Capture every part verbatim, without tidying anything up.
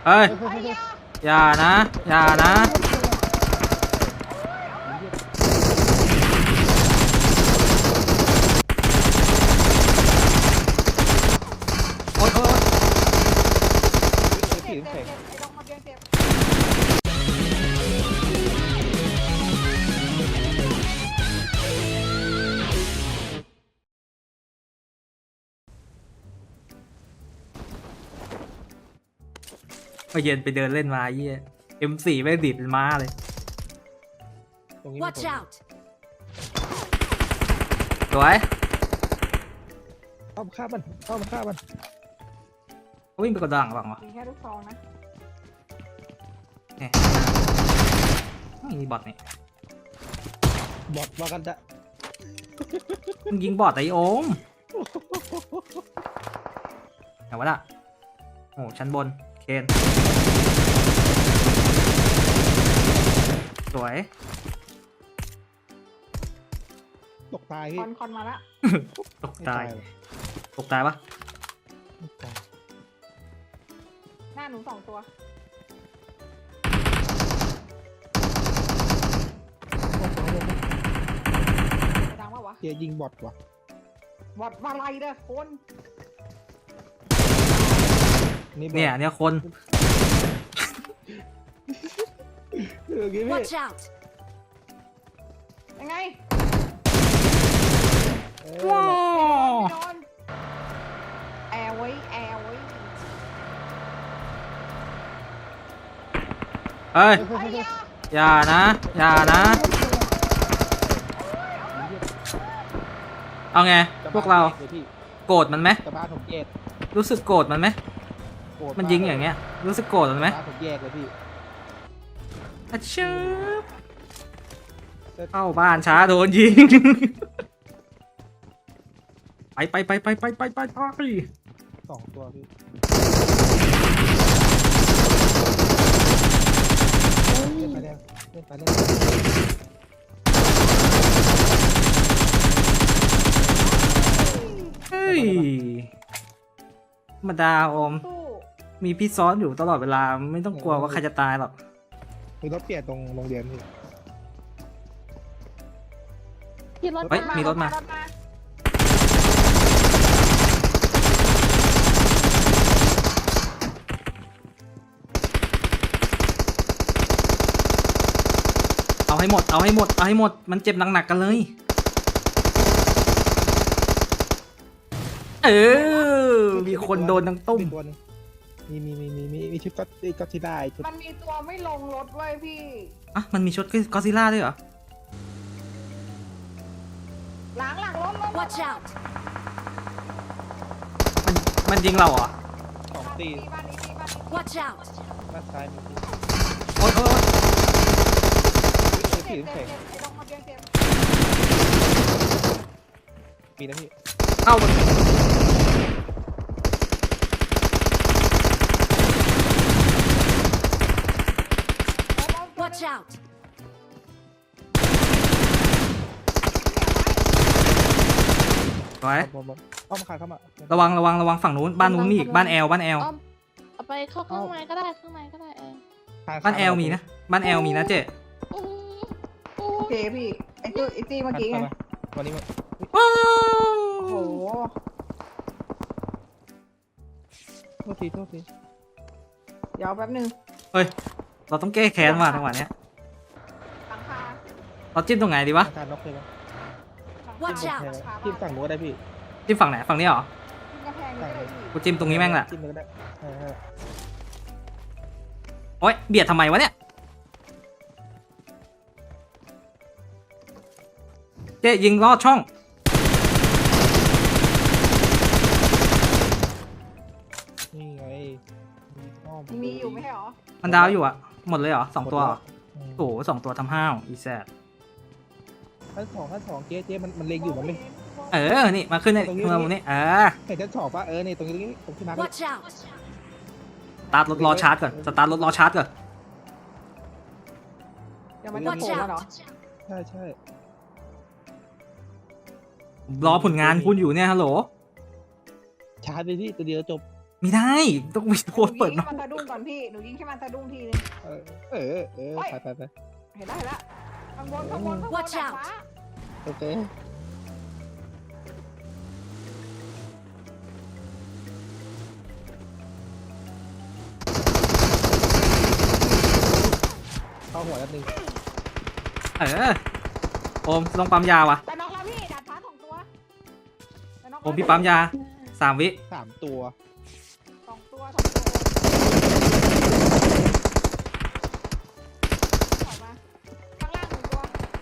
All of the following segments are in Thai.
เฮ้ยเฮ้ยเฮ้ยเฮ้ยอย่านะอย่านะโอ๊ยโอ๊ยเฮ้ยผีน้ำแข็งไอ้ตรงมาเบียงเจ็บเมื่อเย็นไปเดินเล่นมาเยี่ย เอ็ม สี่ ไม่ดิดเป็นม้าเลยตรงนี้มี Watch คน out! สวยเข้ามาฆ่ามันเข้ามาฆ่ามันวิ่งไปกระดังหรือเปล่าวะมีแค่ลูกซองนะเนี่ยมีบอทนี่บอดว่ากันจะมึงยิงบอทไอโอมไหนวะล่ะโอ้ชั้นบนเคนสวยตกตายคพี่อนคอนมาละตกตายไม่หรอกตกตายปะไม่ตายหน้าหนูสองตัวโอ้โหดังว่าวะเฮียยิงบอดว่ะบอดมาไรเด้อคนนี่บอดเนี่ยเนี่ยคนเออกี้พี่ Watch out! ยังไงเอว้าอวโดนแอร์ไว้แอร์ไว้เฮ้ยเฮ้ยไอ้เฮ้ยเฮ้ยยาอย่านะอย่านะเอาไงพวกเราดี๋ยวพี่โกรธมันไหมสะพานผมแยกรู้สึกโกรธมันไหมโกรธมันยิงอย่างเงี้ยรู้สึกโกรธมันไหมสะพานผมแยกเลยพี่อะชืบเข้าบ้านช้าโดนยิง ไปไปไปไปไปไปไปไปสองตัวพี่ เล่นไปแล้วเล่นไปเล่นไปเฮ้ยธรรมดาอมสู้มีพี่ซ้อนอยู่ตลอดเวลาไม่ต้องกลัวว่าใครจะตายหรอกมีรถเปลี่ยนตรงโรงเรียนพี่ขี่รถเฮ้ยมีรถมารถมาเอาให้หมดเอาให้หมดเอาให้หมดมันเจ็บหนักๆกันเลยเออมีคนโดนทั้งตุ้มมีตัวหนึงมีมีมีมีมีมีชุดก็ก็ที่ได้ชุดมันมีตัวไม่ลงรถเว้ยพี่อ่ะมันมีชุดก็อดซิลล่าด้วยเหรอหลังหลังรถรถ Watch out! มันมันยิงเราเหรอสองตีบ้านนี้บ้านนี้ Watch out! ด้านซ้ายมีพี่โอ๊ยโอ๊ยโอ๊ยเฮ้ยเจ็ผีบน้ำเจ็แข็บงเจ็บไอ้ตรงมาเบียงเจ็บมีนะพี่เข้ามัน Watch out! สวยบอลบอลอ้อมขาเข้ามาระวังระวังระวังฝั่งนู้นบ้านนู้นมีอีกบ้านแอลบ้านแอลเอาเอาไปเข้าข้างในก็ได้ข้างในก็ได้เออทงบ้านแอลมีนะบ้านแอลมีนะเจ๊อื้อหือโอเคพี่ไอ้ตัวไอ้ตีเมื่อกี้ไงวันนี้มันว้าโอ้โหวโทษทีโทษทีเดี๋ยวแป๊บนึงเฮ้ยเราต้องแก้แค้นว่ะจังหวะเนี้ยหลังคาเราจิ้มตรงไหนดีวะทางการน็อกเลยปะ Watch หลั out งคาจิ้มฝั่งนู้นก็ได้พี่จิ้มฝั่งไหนฝั่งนี้เหรอจิ้มกระแพงนี่ก็ได้พี่กูจิ้มตรงนี้แม่งแหละจิ้มเลยก็ได้เออเออโอ๊ยเบียดทำไมวะเนี่ยเจ๊ยิงลอดช่องนี่ไงอ้อมีอยู่ไม่ใช่หรอมันดาวอยู่อะหมดเลยเหรอสองตัวเหรออืมโอ้โหสองตัวทำห้าวอีแซดชั้นสองชั้นสองเจ๊เจ๊มันมันเล็งอยู่มันไม่เออนี่มาขึ้นในตรงนี้เมืองนี้เออเห็นชั้นสองปะเออนี่ตรงนี้ตรงนี้ตรงที่มาร์ค Watch out! สตาร์ทรถรอชาร์จก่อนสตาร์ทรถรอชาร์จก่อนเดี๋ยวมันจะ Watch โผล่มาเหรอ out! ใช่ใช่รอผลงานคุณอยู่เนี่ยฮัลโหลชาร์จไปที่ตัวเดียวจบไม่ได้ต้องมีโคนเปิดหนูเนาะยิงให้มันสะดุ้งก่อนพี่หนูยิงให้มันสะดุ้งทีนึงเออเออเออไปไปไปเห็นแล้วเห็นแล้วข้างบนข้างบนข้างบน Watch ดาด out ฟ้าโอเคเข้าหัวแล้วหนึ่งเออโอมลงปั๊มยาวะแต่น็อกแล้วพี่ดาดฟ้าสองตัวแต่น็อกโอมพี่ปั๊มยาสามวิสามตัวสองตัวสองตัวออกมาข้างล่างหนึ่งตัว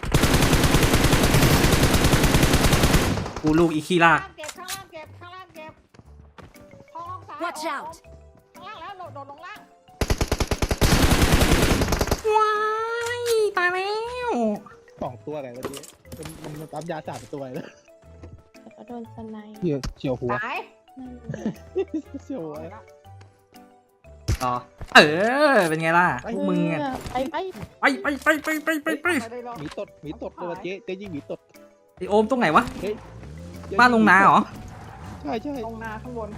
กูลูกอีขี้ลาข้างกล่างเก็บข้างล่างเก็บข้างล่างเก็บห้องห้องซ้าย Watch โอ้ out ข้างล่างแล้วโดดโดดลงล่างว้ายตายแล้วสองตัวอะไรวะเจ๊มันมันมันปั๊มยาสามตัวเลยแล้วก็โดนสไนด์เฉียวเฉียวหัวตายนั่นแหละเฉียวหัวต่อเออเป็นไงล่ะพวกมึงอะไปไปไปไปไปไปไปไปไปไม่ได้หรอกหมีตดหมีตดเลยวะเจ๊เจ๊ยิงหมีตดไอโอมตรงไหนวะเฮ้ยบ้านลงนาเหรอใช่ใช่ลงนาข้างบน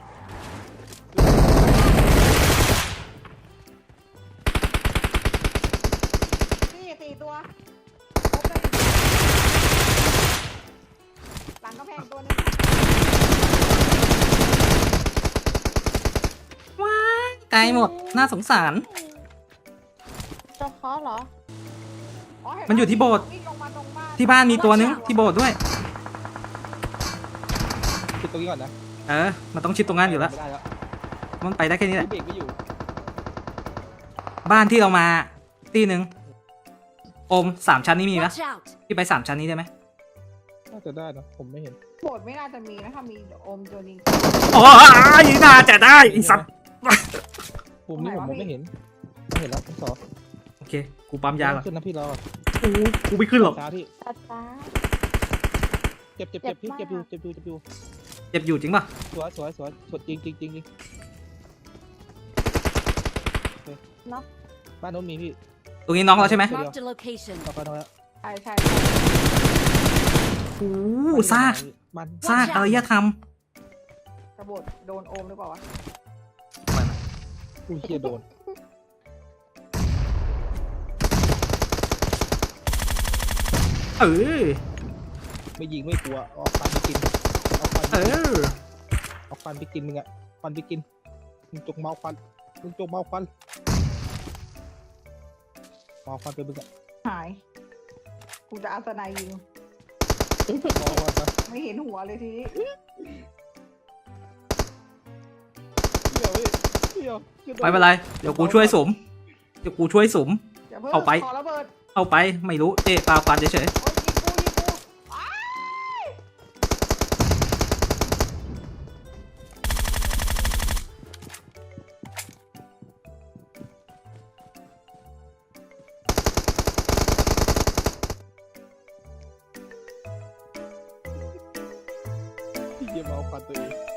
สี่สี่ตัวครบเลยหลังกำแพงตัวนึงว้ายไกลหมดน่าสงสารเจะเคาะเหรออ๋อเห็ปะมันอยู่ที่โบสถ์วิ่งลงมาตรงบ้านที่บ้านมีตัวนึงที่โบสถ์ด้วยคิดตรงนี้ก่อนนะเออมันต้องชิดตรงนั้นอยู่แล้วไม่ได้แล้วมันไปได้แค่นี้แหละเบรกไม่อยู่บ้านที่เรามาที่หนึ่งโอมสามชั้นนี้มีนะ Watch out! พี่ไปสามชั้นนี้ได้ไหมน่าจะได้นะผมไม่เห็นโบสถ์ไม่น่าจะมีนะถ้ามีโอมโจนิงโอ้ยน่าจะได้ไอ้สัตว์ผมนี่ผมมองไม่เห็นไม่เห็นแล้วสองโอเคกูปั๊มยาก่อนขึ้นนะพี่รอกูกูไม่ขึ้นหรอกช้าพี่ตัดฟ้าเจ็บเจ็บเจ็บพี่เจ็บอยู่เจ็บอยู่เจ็บอยู่เจ็บอยู่จริงป่ะสวยสวยสวยสวยจริงจริงจริงจริงเนาะบ้านโน้นมีพี่ตรงนี้น้องเราใช่ไหม Marked a location. ต่อไปน้องแล้วใช่ใช่โอ้ซากมันซากอารยธรรมกระโบดโดนโอมหรือเปล่าวะอุ้ยเฮียโดนเออไม่ยิงไม่กลัวเอาฟันไปกินเอาฟันไปเอกินอเอาฟันไปกินมึงอะฟันไปกินมึงจกเมาฟันมึงจกเมาฟันเมาฟันไปมึงอะหาย กูจะเอาสไนยิงเมาฟันไปไม่เห็นหัวเลยทีนี้เดี๋ยวพี่เดี๋ยวจะโดไม่เป็นไรเดี๋ยวกูช่วยสมเดี๋ยวกูช่วยสมอย่าเพิ่งเอาไปขอระเบิดเอาไปไม่รู้เจ๊ปาควันเฉยโอ้ยยิงกูยิงกูอ้ายพี่เดี๋ยวเมาฟันตัวเอง